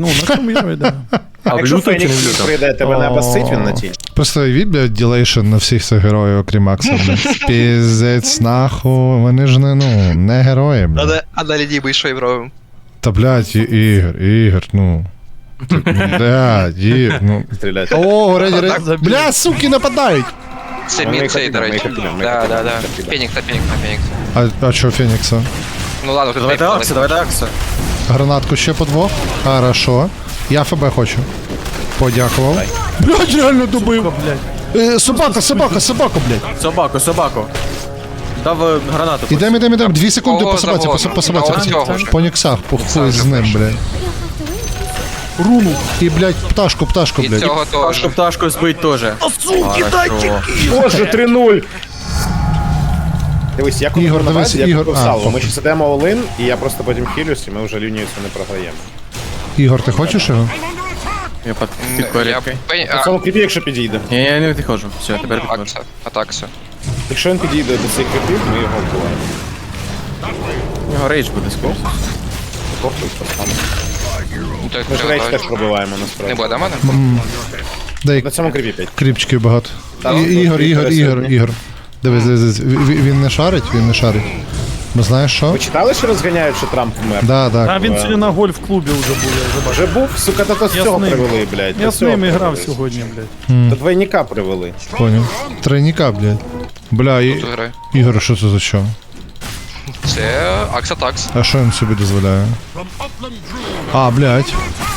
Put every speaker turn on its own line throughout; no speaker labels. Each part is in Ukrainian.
Ну, на цьому я йде.
А
Якщо
блютом чи не
Фенікс
блютом?
прийде, тебе не обосить він на тій.
Просто уявіть, блядь, ділейшн на всіх цих героїв, окрім Акса, блядь. Піздець, нахуй, вони ж не герої, блядь.
А на лінії що і робимо?
Та, блядь, Ігор, ну. Блядь, Ігор, ну.
Стріляти.
О, реді. Блядь, суки, нападають!
Це
Ми
мід цей,
їх
до речі.
обійдемо, ми їх
Да.
обійдемо.
Фенікса.
А чо Фенікса?
Ну ладно, тут
Давайте Акса, давайте Акса.
Гранатку ще по двох. Хорошо. Я ФБ хочу. Подякував. Блядь, реально добив. Собака, блядь.
Собаку. Дав гранату.
Ідем. 2 секунди
Кого
по собаці,
завозимо?
по собаці.
Та ось цього ж.
По ніксах, по хуй з ним, блядь.
Руну.
І, блядь, пташку,
І
блядь.
цього теж.
Пташку збить теж.
Суки, дайте!
Боже, 3-0! Дивись, я коли
Ігор,
на
дивись,
базі, я
Ігор.
купив
А,
салво. Ми
похуй.
ще сидимо all-in, і я просто потім хілюсь, і ми вже лінію цю не програємо.
Ігор, ти хочеш його?
Я під
Я
порядкою.
В цьому кріпі, якщо підійде.
Ні, я не підходжу. Все, тепер підходжу.
Акса. Атакса.
Якщо він підійде до цих кріпів, ми його вбиваємо.
У нього рейдж буде скоро.
Похуй, пацан.
Ну, то
Ми ж рейдж теж пробиваємо,
Не
насправді.
буде мене?
Дай
На цьому кріпі 5.
кріпчиків багато.
Та, ну,
Ігор. Дивись. Він не шарить. Бо знаєш що?
Ви читали, що розганяють, що Трамп вмер?
Да.
А він сьогодні на гольф-клубі вже був, я вже бачив.
Вже був, сука, та з
Я
цього
з ним.
привели, блядь.
Я
до
з
цього
ними грав
привели.
сьогодні, блядь.
До двойника привели.
Понял. Тройника, блядь. Бля,
Тут грає.
Ігор, що це за що?
Це Акса Такс.
А що він собі дозволяє? А, блядь.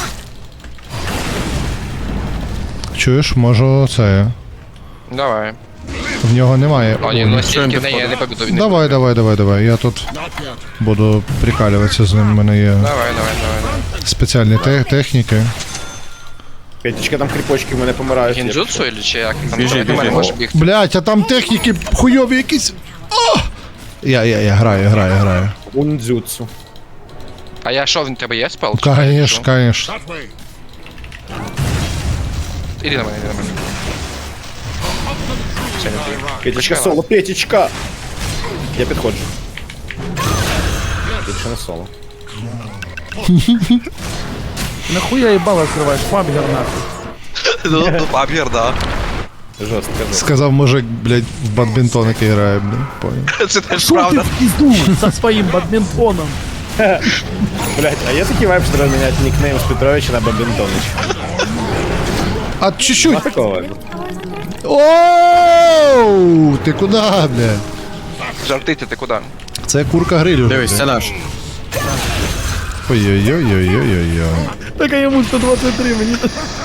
Чуєш, можу це.
Давай.
В нього немає.
О, ні, ну стільки не побіду.
Давай. Я тут буду прикалюватися з ним. У мене є
Давай.
спеціальні техніки.
П'ятічка там кріпочки в мене помирають.
Гінджутсу или чи як? Там
Біжи,
до мене
біжи.
може бігти.
Блядь, а там техніки хуйові якісь. О! Я граю.
Ундзюцу.
А я що, в тебе є спел?
Конечно.
Іди на мене. Це не ти.
П'ятічка соло, П'ятічка! Я підходжу. Більше не соло.
Нахуя їбало відкриваєш, фабгер нахуй.
Ну, папір, да.
Жорстко.
Сказав мужик, блядь, в бадмінтон, який грає, блядь. Понял.
Це теж
Шо ти
правда.
в пизду со своїм бадмінтоном?
Блять, а є такий вайб, що треба міняти нікнейм з Петровича на Бабінтонич.
А чуть-чуть.
Такого вайбу.
Оу! Ти куди, блядь?
Жартити, ти куди?
Це курка грилю.
Дивись, це наш.
Ой-ой-ой-ой-ой-ой.
Так а йому 123, мені...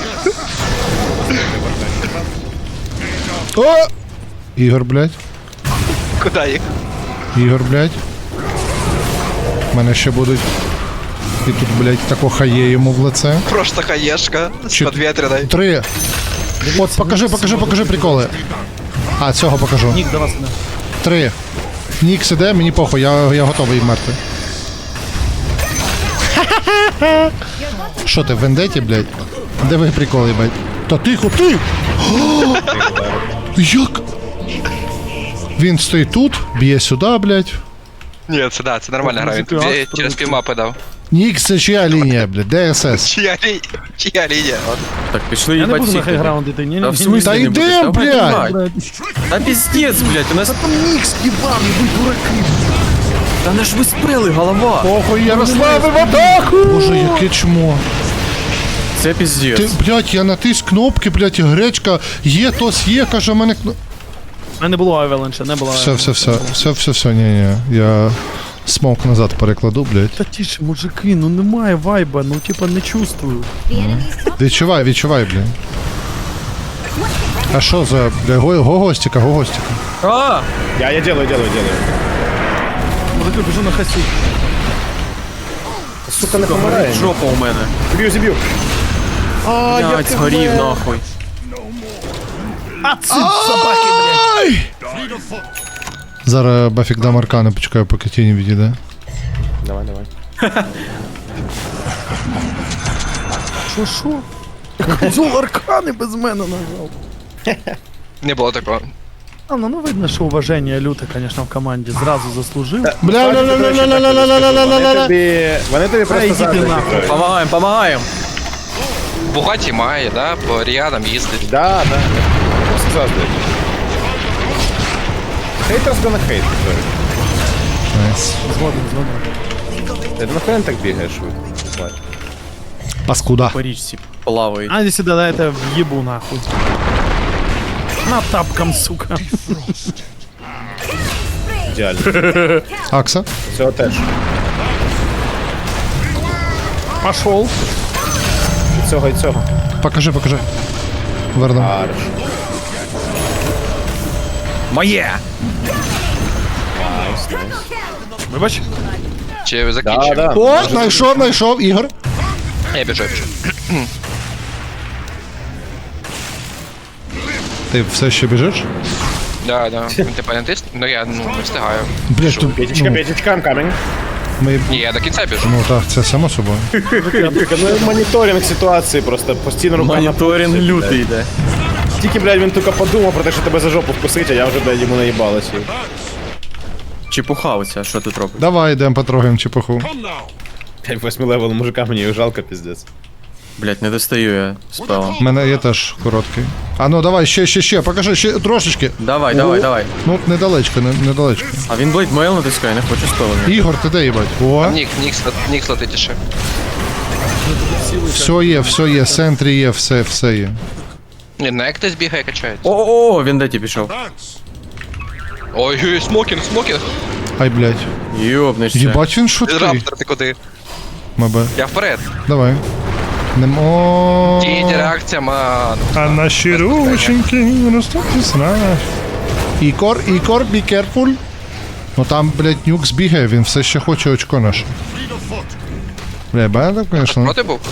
О! Ігор, блядь.
Куди їх?
Ігор, блядь. Мене ще будуть. І тут, блядь, тако хає йому в лице.
Просто хаєшка з
Чи-
подвітряної.
3. От, покажи приколи. А, цього покажу.
Нік, до вас не.
3. Нікс іде, мені похуй, я готовий вмерти. Що ти, в вендеті, блядь? Де ви приколи, блядь? Та тихо, ти! О! Як? Він стоїть тут, б'є сюди, блядь.
Ні, це да, це нормальна гра. Він тобі через півмапи дав.
Нікс, це чия лінія, блядь? ДСС.
Чия лінія? От.
Так, пішли
Я не
їбать
буду на
всіх.
хайграунд іти, ні,
Та в
ні,
смысле
Та
не будеш?
йди,
Давай,
блядь!
давай.
блядь.
Та пиздец, блядь, у нас...
Там Нікс їбав, будь дураки.
Та не ж ви спрели, голова.
Похуй, Ярославе, в атаку! Боже, яке чмо.
Це пиздец.
Ти, блядь, я натис кнопки, блядь, гречка, є, тос є, каже, в мене кно...
А не було авеланча, не було.
Все, ні, я смок назад перекладу, блядь.
Та тише, мужики, ну немає вайба, ну типа не чувствую.
Відчувай, блядь. А що за, бля, гогостика.
А!
Я делаю.
Мужики, біжу на хасі.
Сука, не помирає.
Жопа у мене.
Зіб'ю. А,
Блядь, згорів нахуй.
А це собаки, блядь.
Зараз Бафік дам аркани, почекаю, поки тіні відійде.
Давай.
Що? Козол аркани без мене нажав.
Не було такого.
А, ну видно, що уваження люте, конечно, в команді. Зразу заслужив.
Вони тобі просто
йдіть
заздрять,
нахуй.
Петрович.
Помагаємо.
Бугаті має, да? По Ріадам їздить.
Да. Просто заздрить. Haters gonna hate. sorry.
Найс.
Згоден.
Ти нахуй не так бігаєш швидко?
Паскуда.
По річці плавають.
А, иди сюда, да, это въебу нахуй. На тапком, сука.
Ідеально.
Акса.
Цього теж.
Пошел.
І цього.
Покажи. Верно.
Арш.
Моє!
Найс.
Вибач.
Чи закінчив?
Да.
О, знайшов, Ігор.
Я біжу.
Ти все ще біжиш?
Да. Він типа не тисне? Ну я не встигаю.
Блять, тут...
П'ятічка, I'm coming.
Ми...
Ні, я до кінця біжу.
Ну так, це само собою.
Ну, моніторинг ситуації просто постійно рука на
Моніторинг
пульсі,
лютий
блядь.
йде.
Тільки, блядь, він тільки подумав про те, що тебе за жопу вкусить, а я вже, блядь, йому наїбалась.
Чепуха оця, що тут робить?
Давай, йдемо потрогаємо чепуху.
8 левел мужика, мені його жалко, піздець.
Блять, не достаю я спела.
У мене є теж короткий. А ну давай, ще, покажи, ще трошечки.
Давай.
Ну, недалечко.
А він блейд мейл натискає, не хоче спела.
Ігор, ти де їбать? О,
Нікс летить ще.
все є, в центрі є, все є.
Ні, на як хтось бігає, качається.
О, він де ті пішов.
Ой, смокінг.
Ай, блядь.
Йобнешся.
Їбать він швидкий.
Раптор, ти куди?
Мабе.
Я вперед.
Давай. Немо.
Тінь, реакція, ман.
А наші рученьки ростуть знаш. Ікор, be careful. Ну там, блядь, нюкс бігає, він все ще хоче очко наше. Бля, бачите, конечно.
Проти був?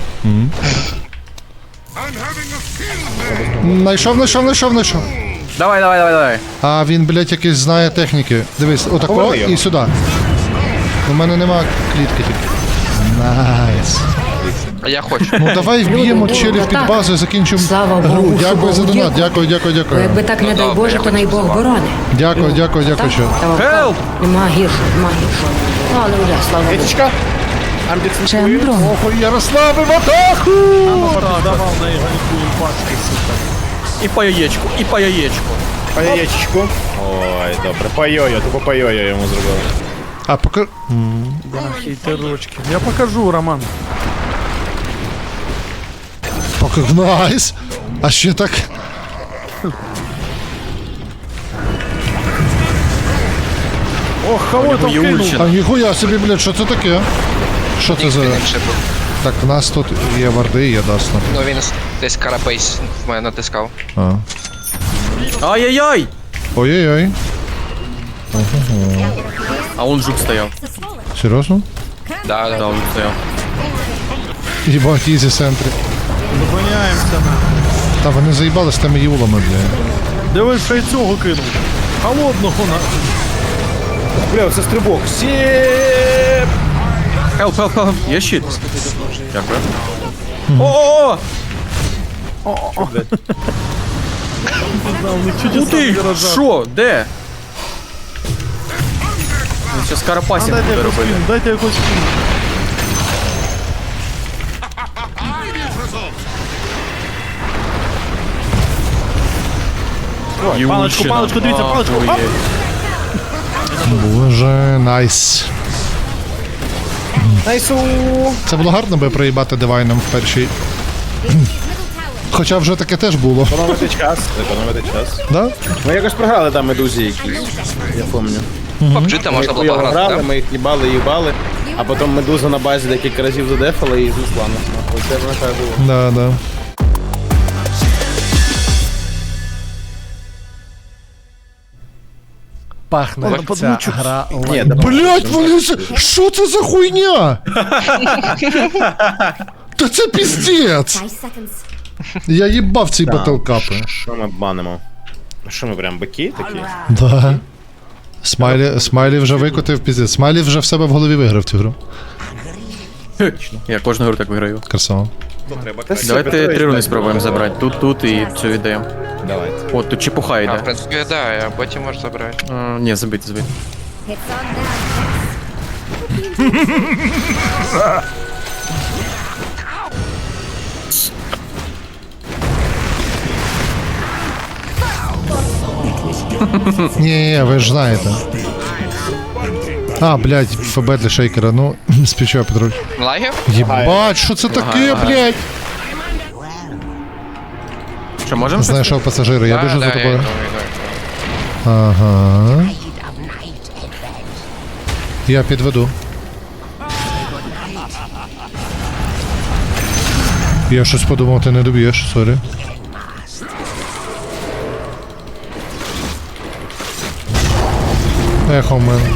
Найшов.
Давай.
А він, блядь, якийсь знає техніки. Дивись, отако
Поверни його.
і сюди. У мене нема клітки тільки. Найс.
А я хочу.
Ну давай вб'ємо
Люди,
челів під
так.
базу і закінчимо
Слава
гру.
Богу,
Дякую за
Богу,
донат,
дякую.
дякую.
Бо якби так, не дай
добре,
Боже,
я
то най
хочу
Бог
слова.
борони.
Дякую, що.
Help!
Нема гіршого. Ну, але вже, слава Богу.
П'ятічка.
Чембро.
Охо, Ярослави в атаку!
Продавал на Игорьку и пачки, сука.
І по яєчку.
По яєчку. Ой, добре. По йо-йо, тупо по йо-йо йому зробили.
А поки...
Да, хейтерочки. Я покажу, Роман.
Найс! А ще так...
Ох, кого там
є
кинул?
ульчина.
А ніхуя собі, блядь, що це таке? Що це за...
Він ще був.
Так, в нас тут є варди і є дасно.
Ну він десь карапейс в мене натискав.
А.
Ай-яй-яй!
Ой-ой-ой.
А он жук стояв.
Серйозно?
Да.
Да, он стояв.
Єбать, ізі в центрі.
Зупиняємося на.
Та вони заїбали з тими юлами, блядь.
Дивись, що й цього кинув. Холодного на.
Бля, це стрибок. Сєп!
Help. Є щит. Дякую. О!
Чудеса
Ти!
виражав.
Що? Де? Він зараз карапасінг
Дайте
буде
якось
робити.
кину, дайте якось кину. Паличку, дивіться, паличку. Оп!
Охуєть.
Боже, найс.
Найсу!
Це було гарно би проїбати дивайном в першій. Хоча вже таке теж було.
Економити час.
Да?
Ми якось програли там медузі якісь. Я пам'ятаю.
Побджита можна було
Хуйово
пограти,
грали,
так?
ми їх їбали, а потім медуза на базі декілька разів задефала і знесла нас. нахуй. Це вона так було.
Да.
Пахне
Ой,
ця гра.
Ні, да,
Блять, вони це... Що це за хуйня? Та це піздець! Я їбав ці батлкапи.
що ми банимо? Що ми прям бики такі?
Да. Смайлі вже викотив піздець. Смайлі вже в себе в голові виграв цю гру.
Я кожну гру так виграю.
Красава.
Давайте 3 руни спробуємо забрати. Тут і цю віддаємо.
Давайте.
От, тут чепуха
А, в
йде.
принципі, да, я потім можу забрати.
Ні, забити.
Ні, ви ж знаєте. А, блядь, ФБ для шейкера, ну, спічаю, Петрович.
Лагів?
Єбать, що це таке, блядь?
Що, можемо?
Знайшов пасажира, я біжу за
я
тобою.
йду.
Ага. Я підведу. Я щось подумав, ти не доб'єш, сорі. Ехо в мене.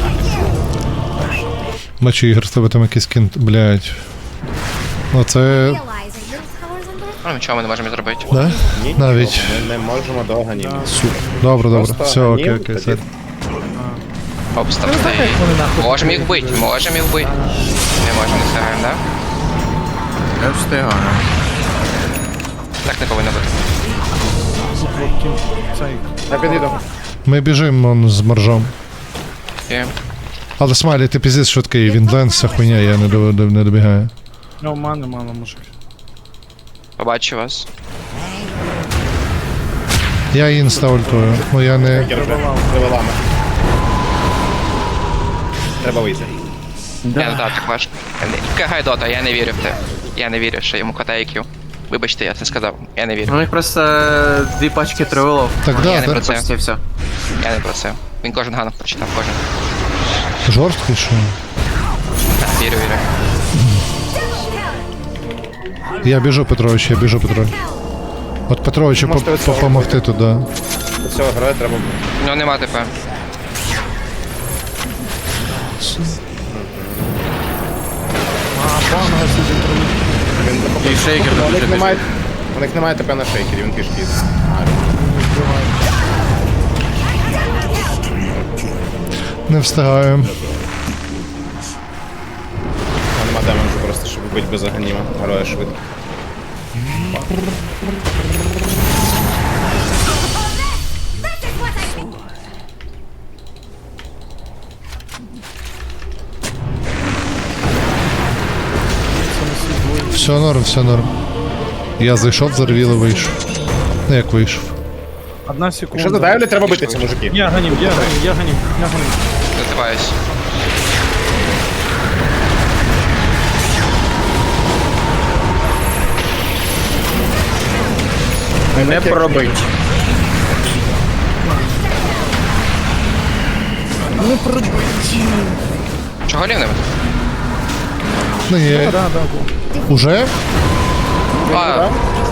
Бачу, Ігор, з тебе там якийсь кінт, блядь. Оце...
Ну, нічого ми не можемо зробити.
Да? Навіть.
Ми не можемо до ганімів.
Добре, добре.
Просто
Все, окей,
ганім,
окей.
тоді-
Все.
Обставте. Можемо їх бити, можемо їх бити. Не можемо, не встигаємо, да?
Я встигаю.
Так не повинно бути.
Я підійду.
Ми біжимо он, з моржом.
Окей.
Але Смайлі, ти піздець швидкий, він ленс, вся хуйня, я не добігаю.
Ну, мало, мужик.
Побачу вас.
Я інста ультую, ну я не...
Привелами. Треба вийти.
Я не так важко. Кагай дота, я не вірю в те. Я не вірю, що йому хватає IQ. Вибачте, я це сказав. Я не вірю.
У них просто 2 пачки тривелов.
Так
Я
да,
не про
так.
це.
Почти все.
Я не про це. Він кожен ганок прочитав, кожен.
Жорсткий, що?
Так, вірю, вірю.
Я біжу, Петрович, я біжу, Петрович. От Петровичу
Можете від цього
допомогти туди.
До цього граю треба.
Ну нема ТП.
І шейкер
У
дуже
них
біжить.
немає. У них немає ТП на шейкері, він пішки.
Не встигаємо.
Нема демеджу просто, щоб бити без аганіма. Героя швидко.
Все норм, все норм. Я зайшов, зарвіло, вийшов. Ну як вийшов?
Одна секунда.
Якщо задавлять, треба битися, мужики.
Я гоним, я гоним, я гоним, я гоним.
Називаюсь.
Не пробить.
Чого лівним?
Ну є.
Да, да, да.
Уже?
А,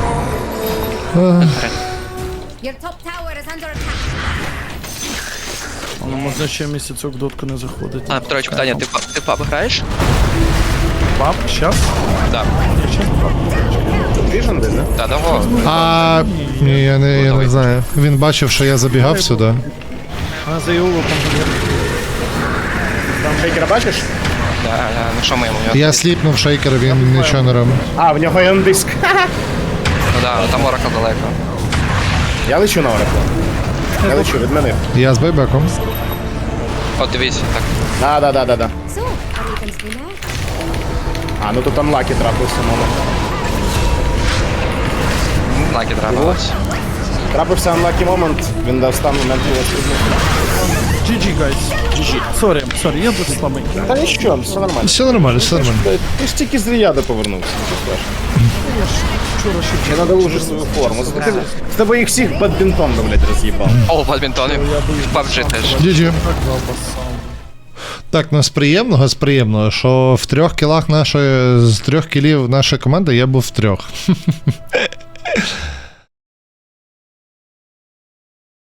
Your top tower is under attack.
Воно можна ще місяцок дотку не заходить.
а Петрович, питання, ти паб граєш?
Пап, щас?
Так.
Я щас пап.
Віжен десь, да?
Та довго.
А ні, я не знаю. Він бачив, що я забігав сюди.
А за Іолу
Там шейкера бачиш?
Да, ну що ми йому?
Я сліпнув шейкера, він нічого не робив.
А, в нього є диск.
Ну да, там Оракл далеко.
Я лечу на Ораклу. Я лечу, відмінив.
Я з байбеком.
От дивіться, так.
Да.
So, are we can stay now?
А, ну тут анлаки трапився, мама.
Лаки трапилось.
Трапився анлакі момент, він дав стан момент його
GG, guys. GG. Сорі, я тут слабий.
Та нічого, все нормально.
Все нормально, все нормально.
Ти ж тільки з Ріяда повернувся. Ще надо уже свою форму. З тобою їх всіх бадмінтон, блядь, роз'їбав.
О, бадмінтони. PUBG теж.
GG. Так, ну з приємного, що в 3 кілах з 3 кілів нашої команди я був в 3.